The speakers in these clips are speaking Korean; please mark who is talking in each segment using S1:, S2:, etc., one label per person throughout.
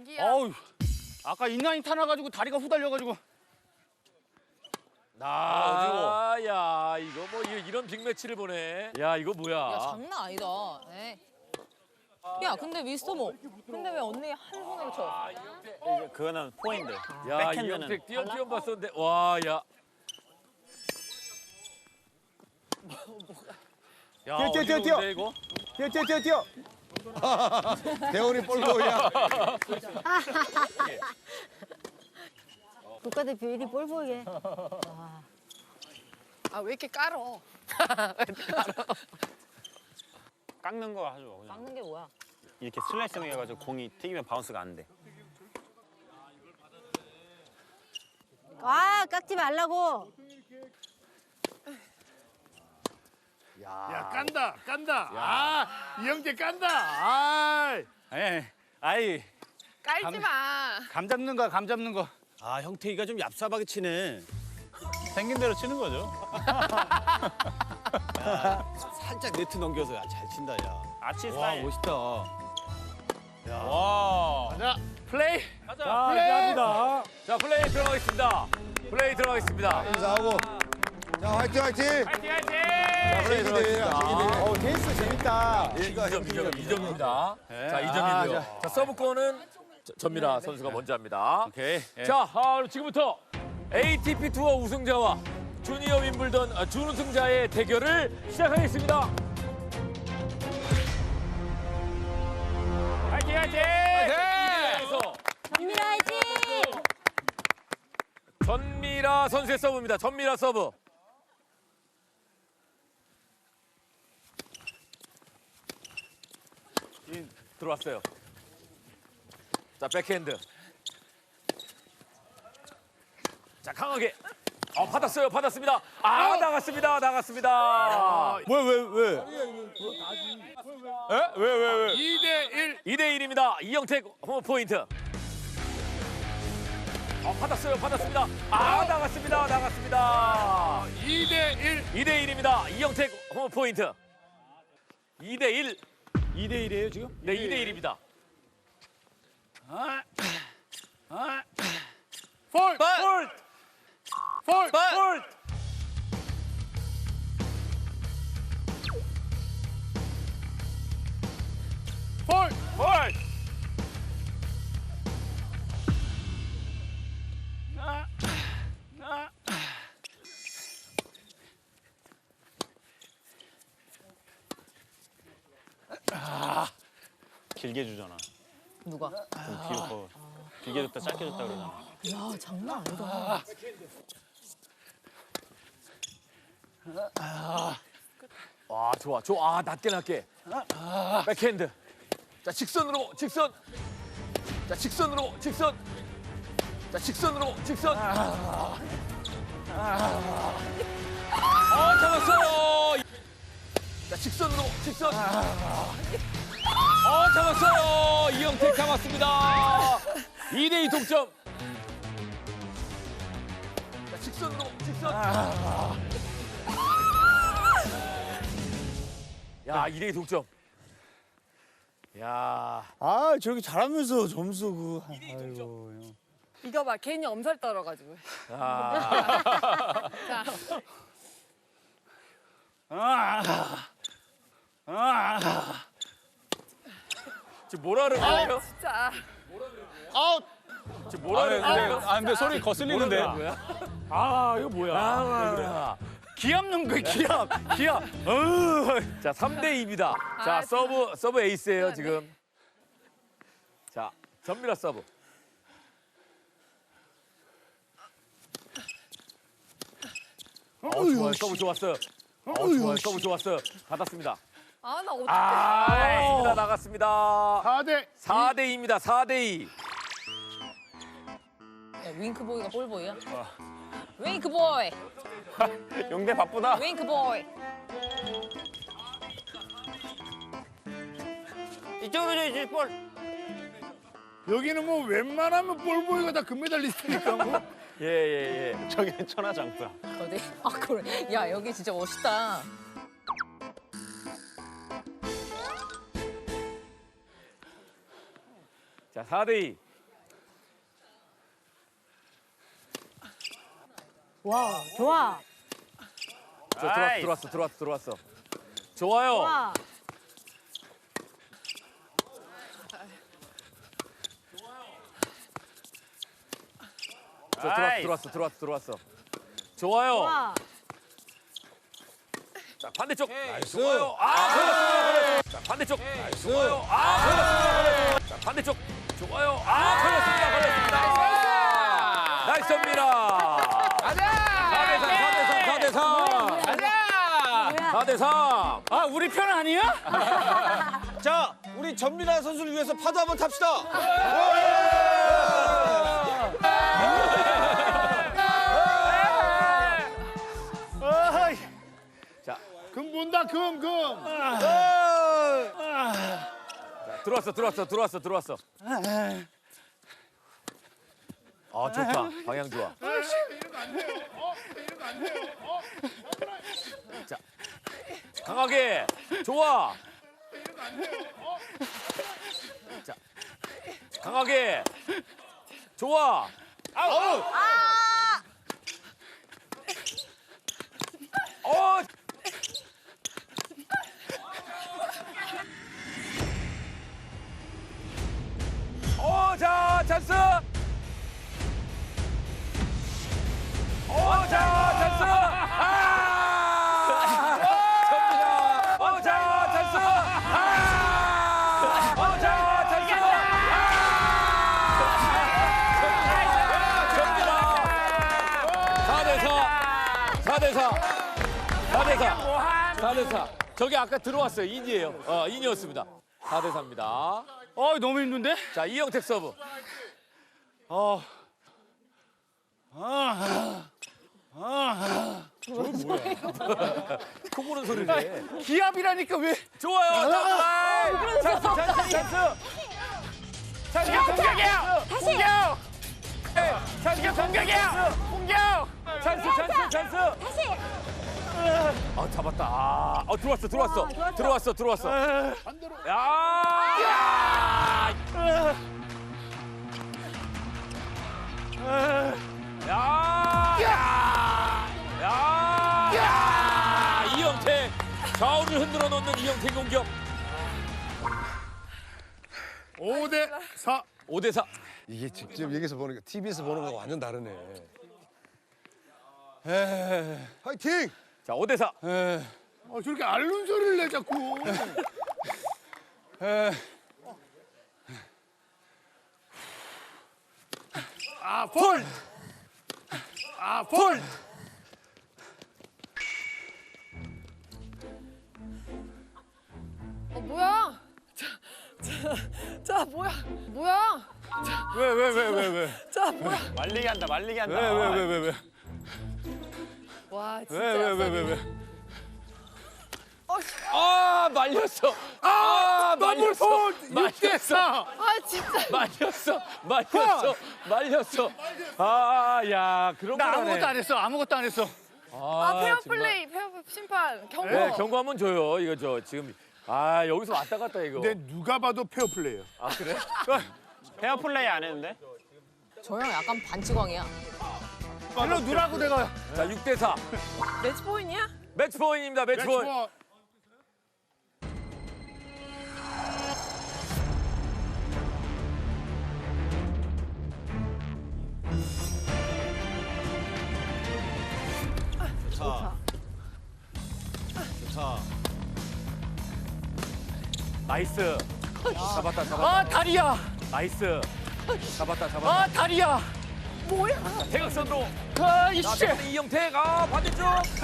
S1: 여기야.
S2: 어우, 아까 인라인 타나가지고 다리가 후달려가지고.
S3: 야, 이거 뭐 이런 빅매치를 보네. 야, 이거 뭐야?
S1: 야, 장난 아니다. 에이. 야, 근데 미스터 모. 근데 왜 언니 한 손으로 쳐?
S2: 그거는 포인트.
S3: 야,
S2: 백핸드는
S3: 이영택 띄엄띄엄 봤었는데, 와, 야. 야,
S4: 뛰어,
S3: 어지러운데, 이거?
S4: 뛰어. 대원이 볼보이야.
S5: 국가대표 1위 볼보이에.
S1: 아, 왜 이렇게 깔어?
S2: 깎는 거 하죠. 그냥.
S1: 막는 게 뭐야?
S2: 이렇게 슬라이싱 해가지고 공이 튀기면 바운스가 안 돼.
S5: 아, 깎지 말라고.
S6: 야 깐다. 이영재 깐다. 아.
S2: 아이,
S1: 깔지 마.
S2: 감 잡는 거야, 감 잡는 거. 아, 형태이가 좀 얍삽하게 치네. 생긴 대로 치는 거죠. 살짝 네트 넘겨서 잘 친다, 야. 아치 스타일. 멋있다. 야. 와.
S6: 자 플레이.
S3: 가자.
S6: 플레이.
S3: 자, 플레이 들어가겠습니다. 플레이 들어가겠습니다.
S4: 인사하고. 자, 화이팅.
S3: 화이팅! 플레이 들어가겠습니다.
S4: 테니스 재밌다.
S3: 2점입니다. 자, 2점이고요. 자, 서브권은 전미라 선수가 먼저 합니다.
S2: 오케이. 예.
S3: 자, 지금부터 ATP 투어 우승자와 주니어 윈블던 준우승자의 대결을 시작하겠습니다. 화이팅!
S5: 전미라 화이팅!
S3: 전미라 선수의 서브입니다. 전미라 서브. 들어왔어요. 자, 백핸드. 자, 강하게. 받았습니다. 나갔습니다.
S2: 왜? 에? 왜?
S6: 2대1.
S3: 2대1입니다. 이영택 홈 포인트. 받았습니다. 나갔습니다.
S6: 2대1.
S3: 2대1입니다. 이영택 홈 포인트. 2대1.
S2: 2대1이에요, 지금?
S3: 네, 2대1입니다.
S6: 폴.
S2: 길게 주잖아.
S1: 누가?
S2: 좀 뒤로 길게 줬다 짧게 줬다 그러잖아.
S1: 야, 장난 아니다.
S3: 와, 좋아. 낮게. 백핸드. 자, 직선으로. 자, 직선으로. 잡았어요. 자, 직선으로. 잡았어요. 이영택 잡았습니다. 2대2 동점. 자, 직선. 야, 2대2 동점. 야,
S4: 아, 저렇게 잘하면서 점수 아이고. 형.
S1: 이거 봐, 괜히 엄살 떨어가지고. 자,
S3: 지금 뭐라는 거예요?
S1: 진짜.
S3: 지금 뭐라는 거예요?
S2: 근데 소리 거슬리는데.
S3: 이거 뭐야?
S2: 기합는 거야, 기합.
S3: 자, 3대2입니다. 자, 서브 에이스예요, 지금. 자, 전미라 서브. 좋아요. 서브 좋았어요. 서브 좋았어요. 받았습니다.
S1: 아, 나 어떡해.
S3: 나갔습니다. 4대2입니다. 4대2.
S1: 야, 윙크보이가 볼보이야? 윙크보이.
S2: 용대 바쁘다.
S1: 윙크보이.
S2: 이쪽으로 줘야지, 볼.
S6: 여기는 뭐 웬만하면 볼보이가 다 금메달리스트니까 뭐.
S3: 예.
S2: 저기 천하장사.
S1: 어디? 아, 그래. 야, 여기 진짜 멋있다.
S3: 자, 4대2.
S5: 와, 좋아.
S3: 들어왔어. 좋아요.
S5: 좋아.
S3: 들어왔어. 좋아요.
S5: 좋아.
S3: 자, 반대쪽. 좋아요. 걸렸습니다. 자, 반대쪽. 좋아요. 걸렸습니다. 자, 반대쪽. 좋아요. 걸렸습니다. 나이스입니다. 가자. 4대3. 가자. 4대3.
S2: 아 우리 편 아니야? 자 우리 전미라 선수를 위해서 파도 한번 탑시다.
S6: 금 본다 금.
S3: 들어왔어. 아, 좋다. 방향 좋아.
S6: 이러면 안 돼요. 이러면 안 돼요.
S3: 자, 강하게. 좋아.
S6: 이러면 안 돼요.
S3: 자, 강하게. 좋아. 아우. 자, 찬스. 자, 찬스. 접니다. 자, 찬스. 자, 찬스. 접니다. 4대4. 저기 아까 들어왔어요. 인이에요. 인이었습니다. 4대4입니다.
S2: 너무 힘든데?
S3: 자, 이영택 서브. 코 고는 소리네.
S2: 기합이라니까 왜?
S3: 좋아요. 찬스. 공격이야. 찬스 공격이야. 찬스.
S5: 다시.
S3: 아, 잡았다. 들어왔어.
S6: 반대로.
S3: 이영택 좌우를 흔들어 놓는 이영택 공격.
S6: 5대4.
S3: 5대4.
S7: 이게 직접 여기서 보는 거, TV에서 보는 거하고 완전 다르네. 화이팅!
S3: 자, 5대4.
S6: 저렇게 앓는 소리를 내 자꾸. 폴. 폴.
S1: 뭐야? 자, 뭐야?
S2: 왜?
S1: 자, 뭐야?
S2: 말리게 한다.
S7: 왜?
S1: 와, 진짜.
S7: 왜?
S3: 말렸어.
S6: 더블 폴.
S3: 말렸어.
S6: 6대4.
S1: 진짜.
S3: 말렸어. 야, 그런 거
S2: 나 아무것도 안 했어.
S1: 페어 플레이, 페어 심판, 경고.
S3: 네, 경고 한번 줘요. 이거 지금 여기서 왔다 갔다 이거.
S6: 근데 누가 봐도 페어 플레이야.
S3: 그래?
S2: 페어 플레이 안 했는데?
S1: 저 형 약간 반치광이야.
S6: 일로 누라고 내가.
S3: 자, 6대4.
S1: 매치 포인트야?
S3: 매치 포인트입니다. 매치 포인트.
S6: 매치포.
S2: 자.
S3: 나이스. 잡았다.
S2: 다리야.
S3: 나이스. 잡았다.
S2: 다리야.
S3: 자, 대각선으로.
S2: 이씨.
S3: 이영택. 반대쪽.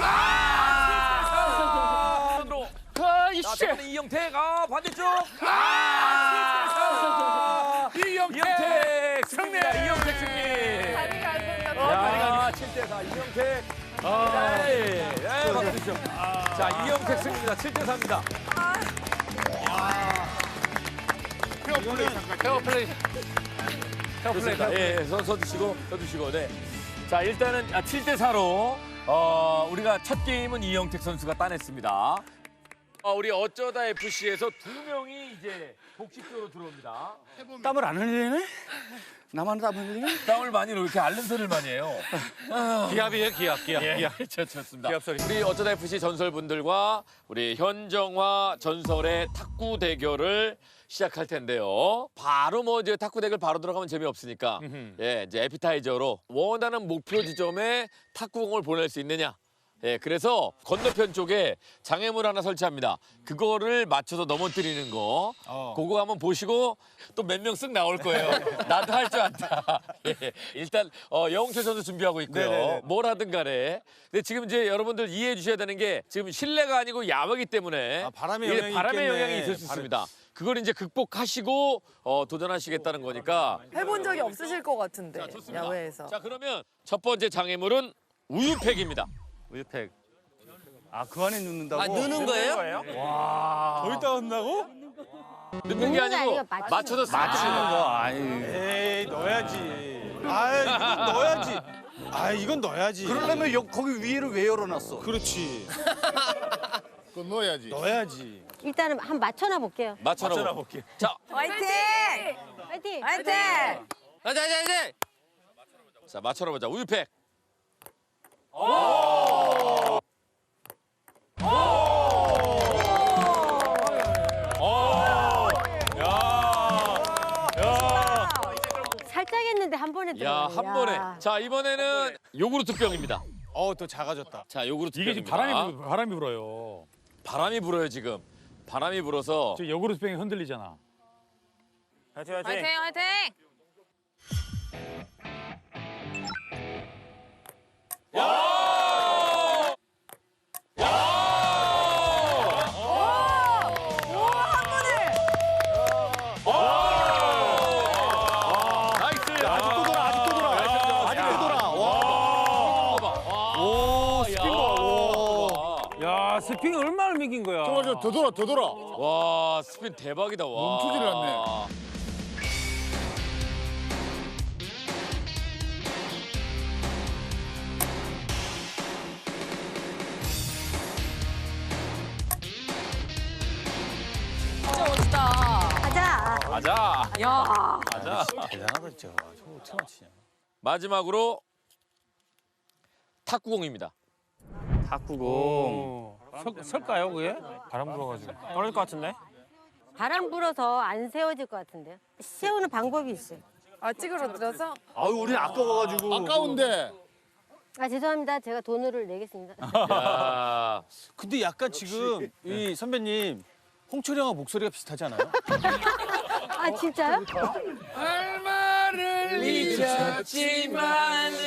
S3: 선으로.
S2: 이씨.
S3: 이영택. 반대쪽.
S6: 이영택
S3: 승리. 이영택 승리.
S1: 다리가 안 된다.
S3: 7대4 이영택. 박수 주시죠. 자, 이영택 승리입니다. 7대4입니다.
S6: 페어 플레이 잠깐.
S2: 페어 플레이.
S3: 좋습니다. 서주시고. 네. 자, 일단은 7대4로 우리가 첫 게임은 이영택 선수가 따냈습니다. 우리 어쩌다 FC에서 2명이 이제 복식조로 들어옵니다.
S2: 땀을 안 흘리네?
S4: 나만 땀 흘리냐?
S3: 땀을 많이 이렇게 앓는 소리를 많이 해요.
S2: 기합이에요, 기합.
S3: 예, 좋습니다.
S2: 기합 소리.
S3: 우리 어쩌다 FC 전설분들과 우리 현정화 전설의 탁구 대결을 시작할 텐데요. 바로 뭐 이제 탁구 대결 바로 들어가면 재미없으니까 예, 이제 에피타이저로 원하는 목표 지점에 탁구공을 보낼 수 있느냐. 예, 그래서 건너편 쪽에 장애물 하나 설치합니다. 그거를 맞춰서 넘어뜨리는 거. 그거 한번 보시고 또 몇 명 쓱 나올 거예요. 나도 할 줄 안다. 예, 일단 영웅철 선수 준비하고 있고요.
S2: 네네네.
S3: 뭘 하든 간에. 근데 지금 이제 여러분들 이해해 주셔야 되는 게 지금 실내가 아니고 야외이기 때문에
S2: 바람의
S3: 이게
S2: 영향이
S3: 바람의
S2: 있겠네.
S3: 영향이 있을 수 있습니다. 그걸 이제 극복하시고 도전하시겠다는 거니까.
S8: 해본 적이 없으실 것 같은데
S3: 자, 좋습니다.
S8: 야외에서.
S3: 자, 그러면 첫 번째 장애물은 우유팩입니다.
S2: 우유팩.
S4: 아, 그 안에 넣는다고?
S1: 넣는 거예요?
S2: 거기다 한다고?
S3: 넣는 게 아니고
S5: 아니고
S3: 맞춰서
S4: 맞추는
S3: 거.
S4: 거. 아이.
S2: 에이, 넣어야지. 아, 이건 넣어야지. 아, 이건 넣어야지.
S4: 그러려면 거기 위에를 왜 열어놨어?
S2: 그렇지.
S6: 그건 넣어야지.
S2: 넣어야지.
S5: 일단은 한 맞춰놔 볼게요.
S3: 맞춰라 볼게. 자,
S8: 화이팅!
S5: 화이팅!
S8: 화이팅!
S3: 자 맞춰라 보자. 우유팩.
S5: 살짝 했는데 한 번에
S3: 야,
S5: 들어가네.
S3: 한 번에. 자, 이번에는 요구르트 병입니다.
S2: 또 작아졌다.
S3: 자, 요구르트
S9: 이게 지금
S3: 병입니다.
S9: 바람이 불어요.
S3: 바람이 불어요, 지금. 바람이 불어서
S9: 저 요구르트 병이 흔들리잖아.
S1: 화이팅 화이팅.
S3: 나이스.
S2: 아직도 돌아, 아직도 돌아. 아직도 돌아.
S3: 오, 스핀
S9: 야, 스핑 얼마나 미긴 거야.
S6: 더 돌아, 더 돌아.
S3: 와, 스핀 대박이다. 와.
S6: 멈추질 않네.
S1: 진짜 멋있다.
S5: 가자.
S3: 가자.
S1: 야.
S2: 대단하다, 진짜. 저거 어떻게 맞히냐.
S3: 마지막으로 탁구공입니다.
S2: 탁구공.
S9: 설까요, 그게? 바람 불어가지고. 떨어질 것 같은데?
S5: 바람 불어서 안 세워질 것 같은데요. 세우는 방법이 있어요.
S8: 아 찌그러들어서?
S4: 아유, 우린 아까워가지고.
S6: 아까운데.
S5: 아 죄송합니다. 제가 돈을 내겠습니다.
S3: 야.
S2: 근데 약간 지금 이 선배님 홍철이 형하고 목소리가 비슷하지 않아요?
S5: 아 진짜요?
S3: 잊었지만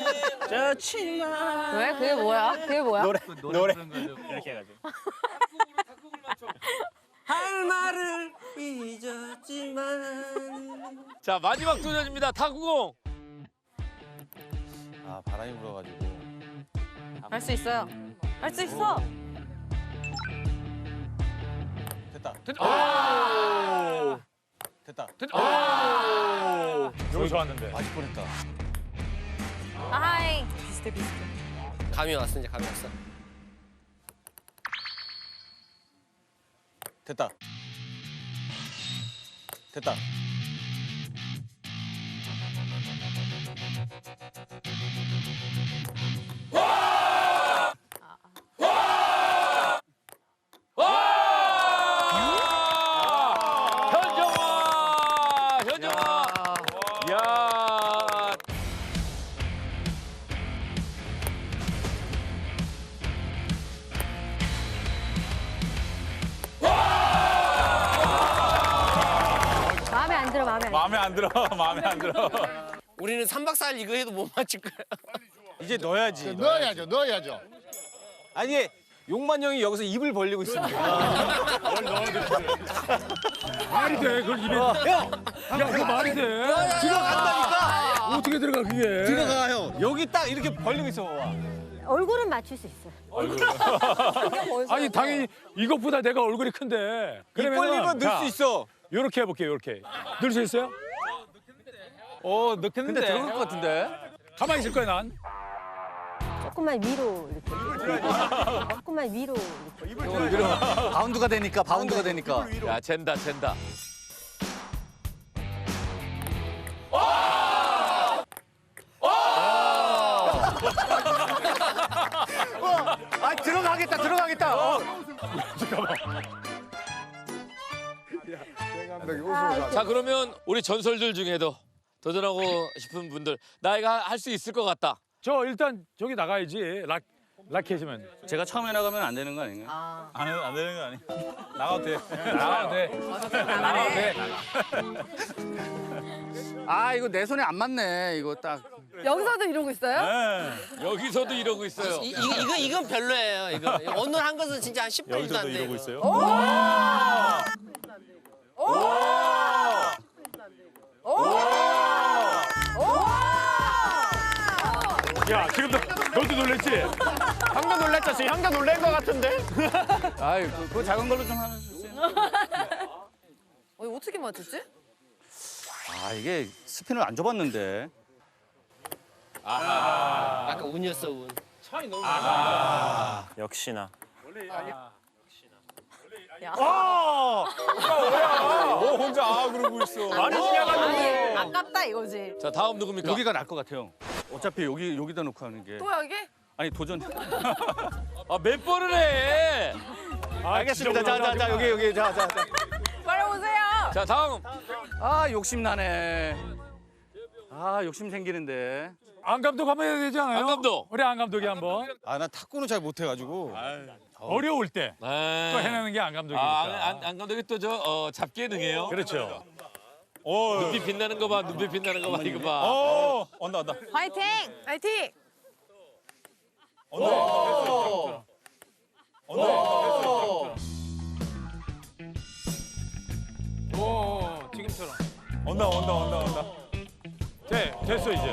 S1: 왜? 그게 뭐야? 그게 뭐야?
S2: 노래.
S9: 이렇게 해가지고.
S3: 자, 마지막 도전입니다. 탁구공.
S2: 아, 바람이 불어가지고.
S1: 할 수 있어요. 할 수 있어.
S2: 됐다. 됐다.
S9: 너무 좋았는데.
S2: 맞을 뻔했다.
S1: 아이.
S7: 감이 왔어, 이제 감이 왔어.
S2: 됐다. 됐다.
S3: 현정아! 현정아! 야!
S5: 마음에 안 들어. 마음에 안 들어.
S9: 마음에 안 들어.
S7: 우리는 3박 4일 이거 해도 못 맞출 거야.
S2: 이제 넣어야지.
S6: 넣어야죠, 넣어야죠.
S2: 아니, 용만 형이 여기서 입을 벌리고 있습니다.
S9: 말이 돼, 그걸 입에. 야, 그거 말이 돼.
S2: 들어간다니까.
S9: 어떻게 들어가, 그게.
S2: 들어가 형. 여기 딱 이렇게 벌리고 있어. 봐.
S5: 얼굴은 맞출 수 있어.
S9: 아니, 당연히 이것보다 내가 얼굴이 큰데.
S2: 입 벌리면 넣을 수 있어.
S9: 요렇게 해볼게요, 요렇게. 넣을 수 있어요? 넣겠는데.
S2: 근데 들어갈 것 같은데.
S9: 가만히 있을 거야, 난.
S5: 조금만 위로 이렇게. 조금만 위로 이렇게.
S4: 바운드가 되니까, 바운드가 되니까.
S3: 야, 젠다, 젠다.
S9: 들어가겠다.
S3: 자 그러면 우리 전설들 중에도 도전하고 싶은 분들 나이가 할 수 있을 것 같다.
S9: 저 일단 저기 나가야지. 라켓이면.
S4: 제가 처음에 나가면 안 되는 거 아닌가요?
S2: 안 되는 거 아니? 나가도 돼.
S9: 나가도 돼. 나가도 돼.
S4: 아 이거 내 손에 안 맞네. 이거 딱.
S8: 여기서도 이러고 있어요?
S3: 여기서도 이러고 있어요.
S7: 이건 별로예요. 이거 오늘 한 것은 진짜 한 10분도 안 돼. 이러고 있어요.
S9: 야 지금 너도 놀랬지?
S2: 형도 놀랬죠? 지금 형도 놀란 거 같은데?
S4: 아이 그거 작은 걸로 좀 하나 주세요.
S8: 어떻게 맞췄지?
S4: 아 이게 스핀을 안 줘봤는데.
S7: 아까 운이었어 운.
S2: 역시나. 혼자 그러고 있어.
S9: 많이 지나갔는데.
S8: 아깝다 이거지.
S3: 자 다음 누굽니까?
S4: 여기가 나을 것 같아요. 어차피 여기다 놓고 하는 게.
S8: 또 여기?
S4: 아니 도전.
S3: 아 몇 번을 해?
S2: 알겠습니다. 자 여기 자.
S8: 빨리 오세요.
S3: 자 다음.
S4: 아 욕심 나네. 아 욕심 생기는데.
S9: 안 감독 한번 해야 되지 않아요?
S3: 안 감독.
S9: 우리 안 감독이 한번.
S2: 나 탁구는 잘 못해가지고.
S9: 어려울 때 또
S3: 네.
S9: 해내는 게 안 감독이니까.
S3: 안 감독이 또 저 잡기에 능해요.
S9: 그렇죠.
S3: 눈빛 빛나는 거 봐. 눈빛 빛나는 거 봐. 이거 봐.
S2: 온다.
S8: 화이팅! 화이팅!
S9: 오 지금처럼.
S2: 온다.
S9: 됐어 이제.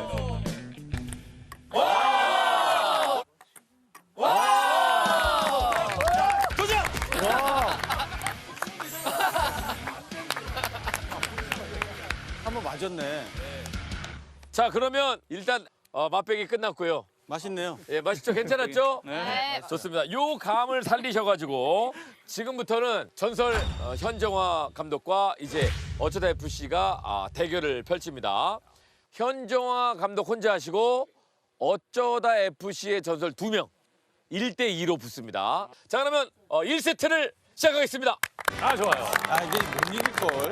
S2: 한번 맞았네.
S3: 자 그러면 일단 맛배기 끝났고요.
S2: 맛있네요.
S3: 예, 맛있죠? 괜찮았죠?
S8: 네.
S3: 좋습니다. 요 감을 살리셔가지고 지금부터는 전설 현정화 감독과 이제 어쩌다 FC가 대결을 펼칩니다. 현정화 감독 혼자 하시고 어쩌다 FC의 전설 2명 1대2로 붙습니다. 자 그러면 1세트를 시작하겠습니다.
S9: 아 좋아요.
S2: 이제 못 이길걸.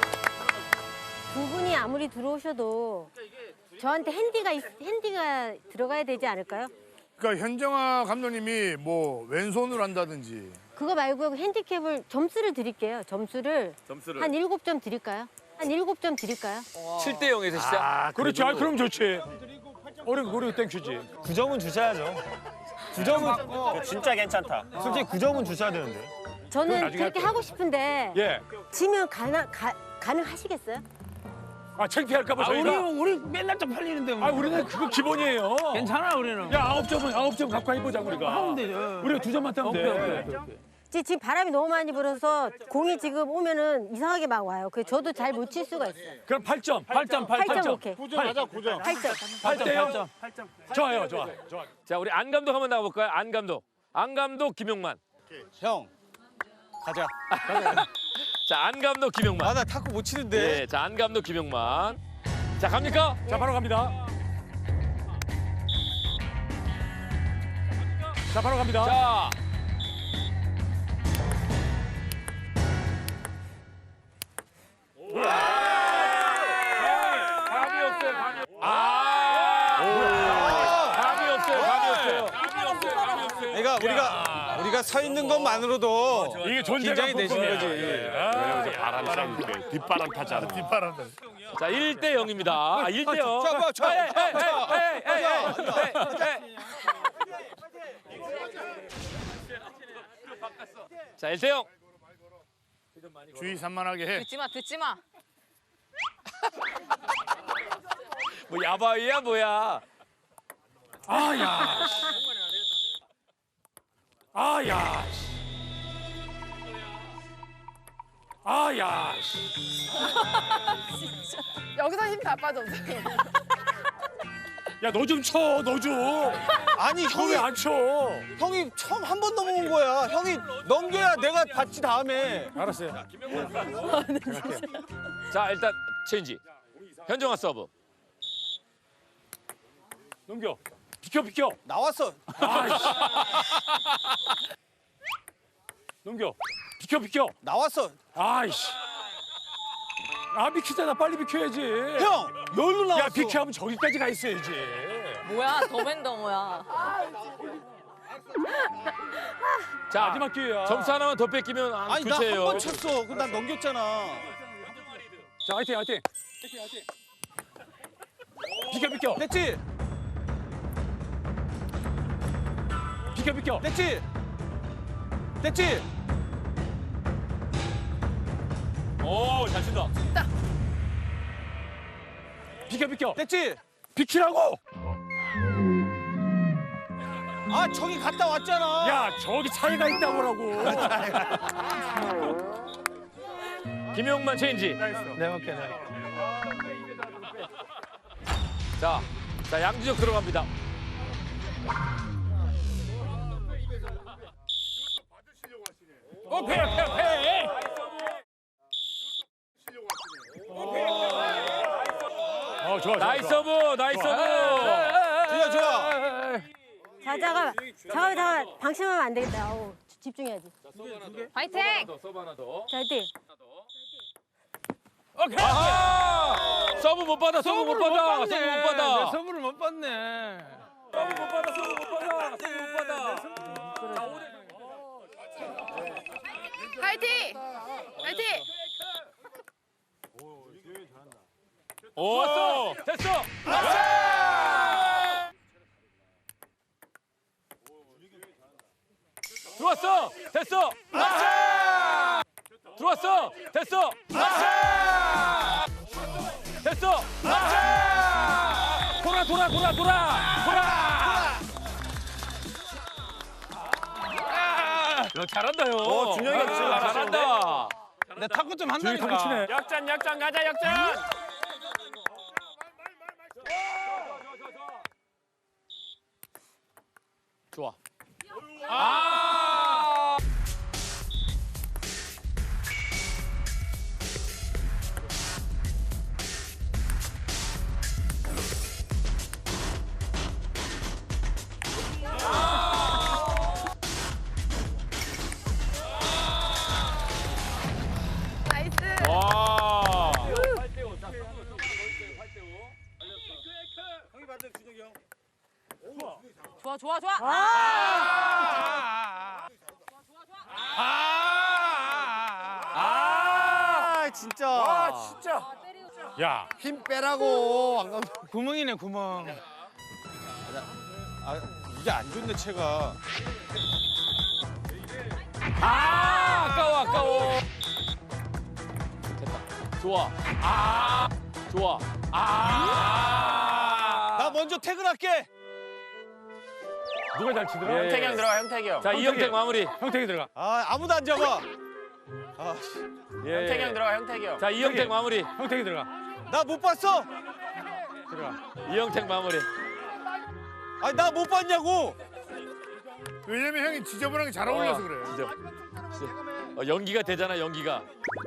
S5: 두 분이 아무리 들어오셔도 저한테 핸디가 들어가야 되지 않을까요?
S6: 그러니까 현정아 감독님이 뭐 왼손으로 한다든지
S5: 그거 말고 핸디캡을 점수를 드릴게요. 점수를 한 7점 드릴까요? 한 7점 드릴까요?
S3: 7대 0에서 시작.
S9: 그렇지. 아 그럼 좋지. 우리 땡큐지.
S2: 9점은 주셔야죠. 9점은 진짜 괜찮다. 솔직히 9점은 주셔야 되는데.
S5: 저는
S9: 나중에
S5: 그렇게
S9: 할게요.
S5: 하고 싶은데
S9: 예.
S5: 지면 가능하시겠어요?
S9: 아 창피할까 봐 저희가.
S4: 우리 맨날 좀 팔리는데.
S9: 아 우리는 그거 기본이에요.
S4: 괜찮아 우리는.
S9: 야 9점 갖고 해보자 우리가.
S4: 하면 되죠.
S9: 우리가 2점만 따면 돼.
S5: 지금 바람이 너무 많이 불어서 공이 지금 오면은 이상하게 막 와요. 그래서 저도 잘 못 칠 수가 있어요.
S9: 그럼 8점.
S5: 8점 오케이.
S6: 9점 하자 9점
S5: 8점.
S9: 8대 0. 좋아요.
S3: 자 우리 안 감독 한번 나가볼까요? 안 감독 김용만.
S2: 형. 가자.
S3: 자 안 감독 김용만.
S2: 나 탁구 못 치는데.
S3: 네, 자 안 감독 김용만. 자 갑니까?
S9: 자 바로 갑니다. 자 바로 갑니다.
S3: 자. 감이 없어요. 감이 없어요.
S2: 그러니까 우리가 서 있는 것만으로도
S9: 이게 존재가
S2: 긴장이 되시는 거지.
S9: 바람 쐬는데 뒷바람 타잖아.
S6: 뒷바람
S3: 자 1대 0입니다. 1대 0. 자 1대 0.
S6: 주의 산만하게 해
S1: 듣지 마.
S3: 뭐 야바위야 뭐야?
S9: 아야.
S8: 여기서 힘 다 빠졌어.
S9: 야 너 좀 쳐. 너 좀.
S2: 아니
S9: 왜 안 쳐?
S2: 형이 처음 한 번 넘어온 거야. 형이 넘겨야 내가 받지 다음에.
S9: 알았어요.
S3: 자 일단 체인지. 현정아 서브.
S9: 넘겨. 비켜.
S2: 나왔어.
S9: 넘겨. 비켜.
S2: 나왔어.
S9: 아이씨. 아 비키잖아. 빨리 비켜야지.
S2: 형, 여기로 나왔어.
S9: 야 비키하면 저기까지 가 있어야지.
S1: 뭐야 더맨더머야.
S3: 자,
S9: 마지막 기회야.
S3: 점수 하나만 더 뺏기면
S2: 아니 나 한
S3: 교체예요.
S2: 번 쳤어. 그럼 난 넘겼잖아.
S9: 자 화이팅. 비켜.
S2: 됐지?
S9: 비켜.
S2: 됐지? 됐지?
S3: 오, 잘 친다.
S9: 비켜.
S2: 됐지?
S9: 비키라고.
S2: 아 저기 갔다 왔잖아.
S9: 야 저기 차이가 있다고라고.
S3: 김용만 체인지.
S4: 내가 할게.
S3: 자, 양준혁 들어갑니다.
S9: 패. 좋아.
S3: 나이스 서브.
S2: 좋아.
S5: 자, 잠깐만. 방심하면 안 되겠다. 어우, 집중해야지.
S8: 파이팅.
S3: 서브 하나 더.
S5: 자, 화이팅.
S3: 아하! 서브 못 받아.
S2: 서브를 못 받네.
S8: 파이팅.
S3: 오, 됐어. 들어왔어. 됐어. 들어왔어. 됐어. 됐어. 돌아. 야, 잘한다요.
S2: 준혁이가 진짜
S3: 잘한다.
S2: 내 탁구 좀
S9: 준혁이
S2: 한다니까.
S9: 탁구 치네.
S3: 역전 가자 역전. 좋아.
S8: 나이스.
S3: 와.
S1: 좋아.
S2: 진짜.
S9: 야
S2: 힘 빼라고. 안 가면 구멍이네 구멍. 이게 안 좋네 채가.
S3: 아까워. 됐다. 좋아. 좋아.
S2: 나 먼저 퇴근할게.
S9: 누가 잘 치더라?
S3: 형택이 형 들어가. 형택이 형. 자 이형택 마무리.
S9: 형택이 들어가.
S2: 아무도 안 잡아.
S3: 형택이 형 들어가. 형택이 형. 자 이형택 마무리.
S9: 형택이 들어가.
S2: 나 못 봤어.
S3: 이형택 마무리.
S2: 아니 나 못 봤냐고.
S6: 왜냐면 형이 지저분한 게 잘 어울려서 그래.
S3: 연기가 되잖아 연기가.